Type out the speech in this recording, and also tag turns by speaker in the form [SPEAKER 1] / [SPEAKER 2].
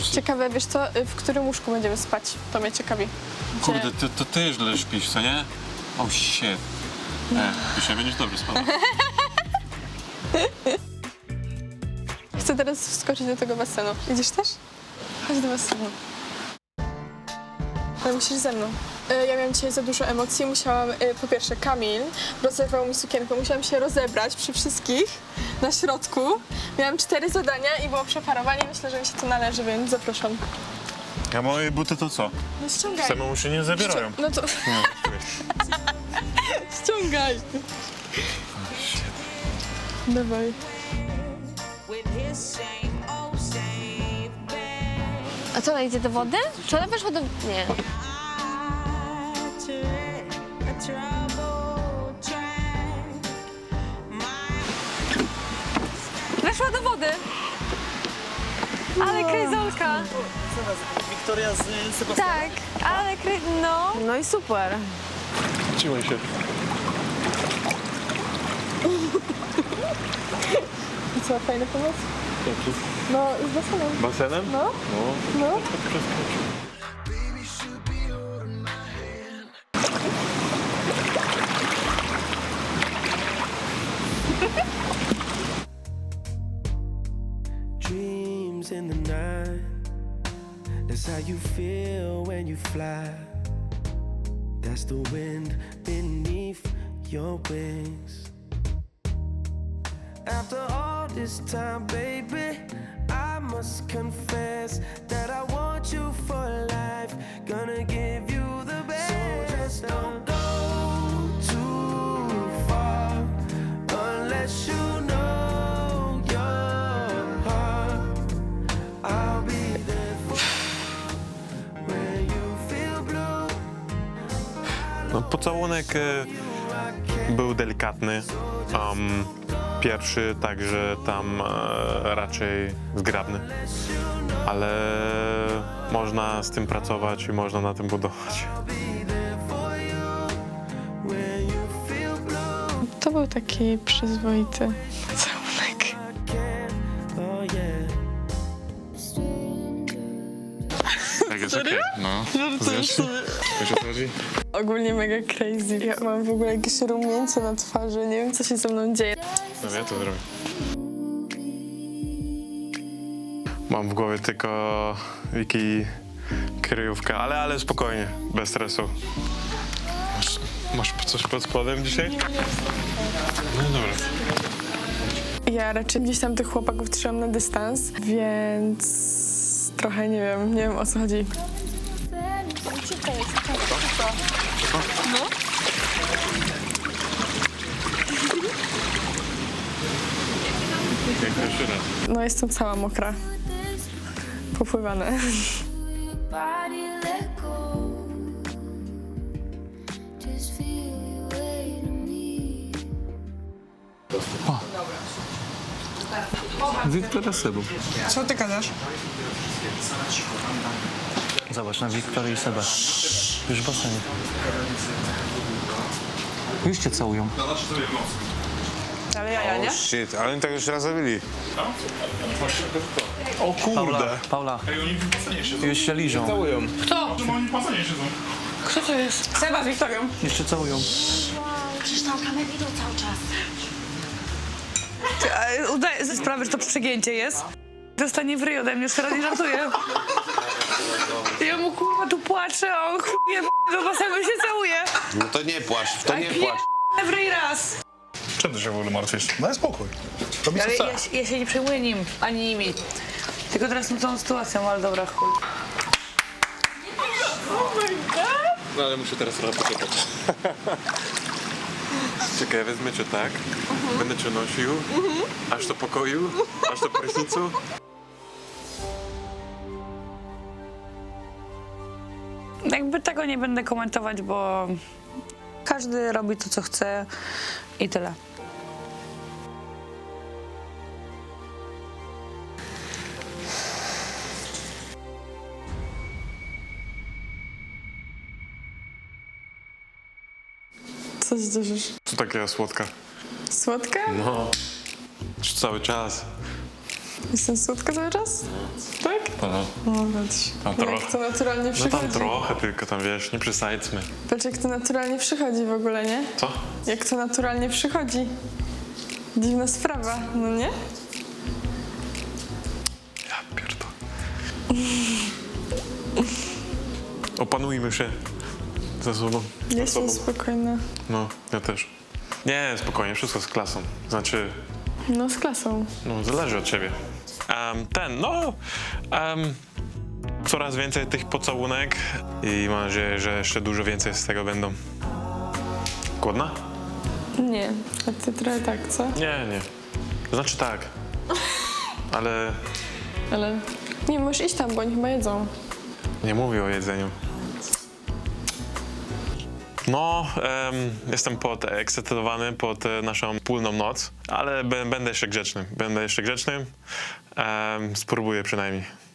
[SPEAKER 1] Ciekawe, wiesz co, w którym łóżku będziemy spać? To mnie ciekawi.
[SPEAKER 2] Kurde, to ty źle śpisz, co nie? Oh shit. Dzisiaj będziesz dobrze spał.
[SPEAKER 1] Chcę teraz wskoczyć do tego basenu. Idziesz też? Chodź do basenu. Ale musisz ze mną. Ja miałam dzisiaj za dużo emocji. Musiałam, po pierwsze, Kamil rozerwał mi sukienkę. Musiałam się rozebrać przy wszystkich na środku. Miałam 4 zadania i było przeparowanie. Myślę, że mi się to należy, więc zapraszam.
[SPEAKER 2] A moje buty to co?
[SPEAKER 1] No ściągaj.
[SPEAKER 2] Samemu się nie zabierają.
[SPEAKER 1] No to ściągaj. Dawaj.
[SPEAKER 3] A co, ona idzie do wody? Czy ona weszła do... Nie. Weszła do wody. Ale kryzolka.
[SPEAKER 4] Wiktoria z Sebastianem?
[SPEAKER 3] Tak, ale no.
[SPEAKER 5] No i super.
[SPEAKER 2] Trzymaj się.
[SPEAKER 1] I co, fajny pomysł?
[SPEAKER 2] Jaki?
[SPEAKER 1] No, z basenem.
[SPEAKER 2] Basenem?
[SPEAKER 1] No, no.
[SPEAKER 6] Dreams in the night. That's how you feel when you fly. That's the wind beneath your wings. After all this time, baby, I must confess that I want you for life. Gonna give you the best. So just don't go too far unless you know your heart. I'll be there for you when you feel blue.
[SPEAKER 2] No, pocałunek był delikatny. Pierwszy także tam raczej zgrabny. Ale można z tym pracować i można na tym budować.
[SPEAKER 1] To był taki przyzwoity pocałunek.
[SPEAKER 2] Tak jest okej. No. Wiesz o co chodzi?
[SPEAKER 1] Ogólnie mega crazy. Ja mam w ogóle jakieś rumieńce na twarzy. Nie wiem, co się ze mną dzieje.
[SPEAKER 2] No ja to zrobię. Mam w głowie tylko Wiki kryjówka, ale spokojnie, bez stresu. Masz coś pod spodem dzisiaj? No dobra.
[SPEAKER 1] Ja raczej gdzieś tam tych chłopaków trzymam na dystans, więc trochę nie wiem o co chodzi.
[SPEAKER 2] Jak pierwszy raz.
[SPEAKER 1] No jestem cała mokra. Popływane.
[SPEAKER 7] Body let go. Just feel your way to me.
[SPEAKER 4] Wiktoria z Sebą.
[SPEAKER 1] Co ty gadasz?
[SPEAKER 4] Zobacz, na Wiktorię i Sebę. Już w basenie. Już cię całują.
[SPEAKER 5] Ale ja nie?
[SPEAKER 2] Shit, ale oni tak już raz zrobili. O kurde.
[SPEAKER 4] Paula, już się liżą.
[SPEAKER 5] Kto to jest? Seba z Wiktorią.
[SPEAKER 4] Jeszcze całują.
[SPEAKER 3] Przecież tam kamery idą cały czas.
[SPEAKER 5] Udaję ze sprawy, że to przegięcie jest. Dostanie w ryj ode mnie, już teraz nie żartuję. Ja mu kurwa tu płaczę, a on chuje do basenu się całuje.
[SPEAKER 8] No to nie płacz, w to nie płacz.
[SPEAKER 5] W ryj raz.
[SPEAKER 9] Czym ty się w ogóle martwisz? Daj spokój. Robi co
[SPEAKER 5] Ale
[SPEAKER 9] chce.
[SPEAKER 5] ja się nie przejmuję nim, ani nimi. Tylko teraz tą całą sytuacją, ale dobra, chuj.
[SPEAKER 2] No ale muszę teraz trochę poczekać. Czekaj, wezmę cię tak, będę cię nosił, aż do pokoju, aż do prysznicu.
[SPEAKER 5] Jakby tego nie będę komentować, bo każdy robi to, co chce i tyle.
[SPEAKER 1] Co się cieszysz?
[SPEAKER 2] Co takiego słodka?
[SPEAKER 1] Słodka?
[SPEAKER 2] No, już cały czas.
[SPEAKER 1] Jestem słodka cały czas? Tak? No, patrz. Jak to naturalnie
[SPEAKER 2] No
[SPEAKER 1] przychodzi.
[SPEAKER 2] tam trochę, tylko tam wiesz, nie przesadźmy.
[SPEAKER 1] Patrz, jak to naturalnie przychodzi w ogóle, nie?
[SPEAKER 2] Co?
[SPEAKER 1] Jak to naturalnie przychodzi. Dziwna sprawa, no nie?
[SPEAKER 2] Ja pierdolę. Opanujmy się ze sobą.
[SPEAKER 1] Jestem spokojna.
[SPEAKER 2] No, ja też. Nie, spokojnie, wszystko z klasą. Znaczy,
[SPEAKER 1] No, z klasą.
[SPEAKER 2] no, zależy od ciebie. Coraz więcej tych pocałunek i mam nadzieję, że jeszcze dużo więcej z tego będą. Głodna?
[SPEAKER 1] Nie, a ty trochę tak, co?
[SPEAKER 2] Nie. Znaczy tak. Ale
[SPEAKER 1] Ale... Nie, możesz iść tam, bo oni chyba jedzą.
[SPEAKER 2] nie mówię o jedzeniu. No, jestem podekscytowany pod naszą wspólną noc, ale będę jeszcze grzeczny. Spróbuję przynajmniej.